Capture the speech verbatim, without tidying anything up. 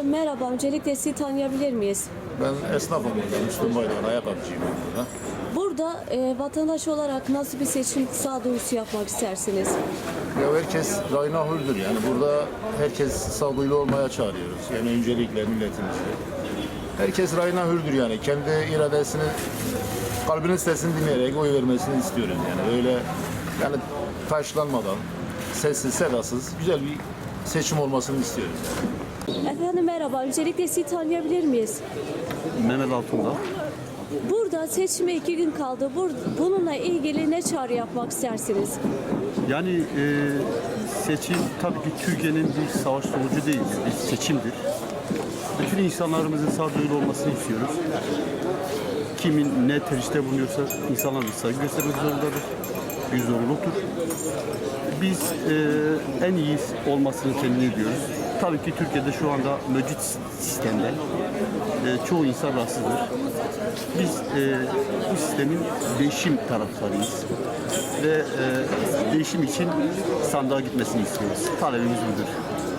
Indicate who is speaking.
Speaker 1: Merhaba, öncelikle sizi tanıyabilir miyiz?
Speaker 2: Ben esnafım burada, Müslüm Baydan, ayakkabıcıyım ben burada.
Speaker 1: Burada e, vatandaş olarak nasıl bir seçim sağduyusu yapmak istersiniz?
Speaker 2: Ya herkes rayına hürdür yani burada herkes sağduyulu olmaya çağırıyoruz. Yani öncelikle milletimizi. Herkes rayına hürdür yani kendi iradesini, kalbinin sesini dinleyerek oy vermesini istiyoruz yani öyle yani taşlanmadan, sessiz sedasız güzel bir seçim olmasını istiyoruz.
Speaker 1: Efendim merhaba, öncelikle sizi tanıyabilir miyiz?
Speaker 3: Mehmet Altundağ.
Speaker 1: Burada seçime iki gün kaldı. Bur bununla ilgili ne çağrı yapmak istersiniz?
Speaker 3: Yani e, seçim tabii ki Türkiye'nin bir savaş sonucu değildir, bir seçimdir. Bütün insanlarımızın sağduyulu olmasını istiyoruz. Kimin ne tercihte bulunuyorsa insanlar bir saygı göstermek zorundadır. Bir zorunluluktur. Biz e, en iyi olmasını temin ediyoruz. Tabii ki Türkiye'de şu anda mevcut sistemde e, çoğu insan rahatsızdır. Biz e, bu sistemin değişim taraftarıyız ve e, değişim için sandığa gitmesini istiyoruz. Talebimiz budur.